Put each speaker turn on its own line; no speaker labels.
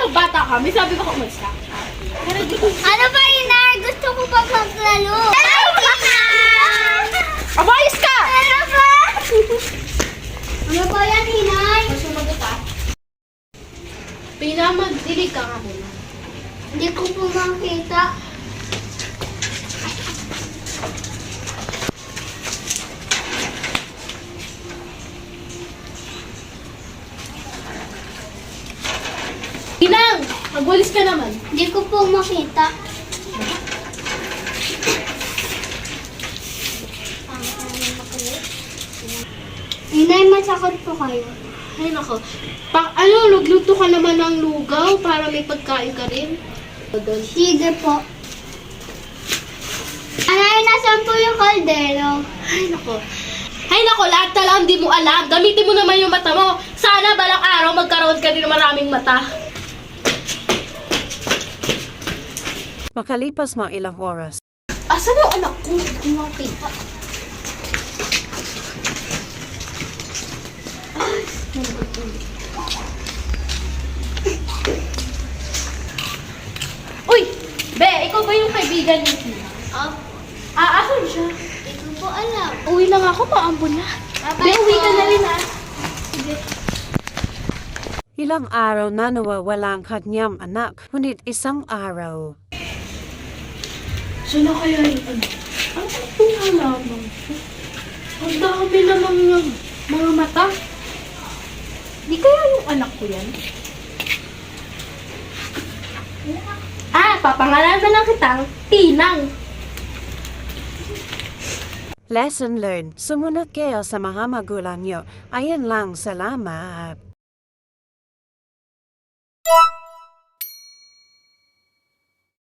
bata kami, sabi ko umalis ka. Pero di ko...
Ano ba, Inar? Gusto ko pa maglaro.
Abayos ka!
Ano ba? Ano ba yan, Inay?
Sumagot ka. Pinamagdilig ka nga muna.
Hindi ko po makita.
Inang! Magwalis ka naman.
Hindi ko po makita. Inay, masakot po kayo.
Ay nako. Lugluto ka naman ng lugaw para may pagkain ka rin. Doon.
Sige po. Anay, nasan po yung kaldero?
Ay nako. Ay nako, lahat na lang di mo alam. Gamitin mo naman yung mata mo. Sana balang araw magkaroon ka din ng maraming mata.
Makalipas mga ilang oras.
Asan yung anak ko? Hindi ko makita. Ay, uy! Be, ikaw ba yung kaibigan ni Tina? Asan siya?
Hindi ko po alam.
Uwi na nga ako, maambon na. Be, uwi ka na rin ah. Sige.
Ilang araw na nawawala ang kanyang anak, ngunit isang araw.
Saan na kaya yung anak? Ano itong halaman ko? Ang dami namang mga mata. Di kaya yung anak ko yan? Papangalanan na lang kitang Tinang.
Lesson learned. Sumunod kayo sa mga magulang nyo. Ayan lang, salamat.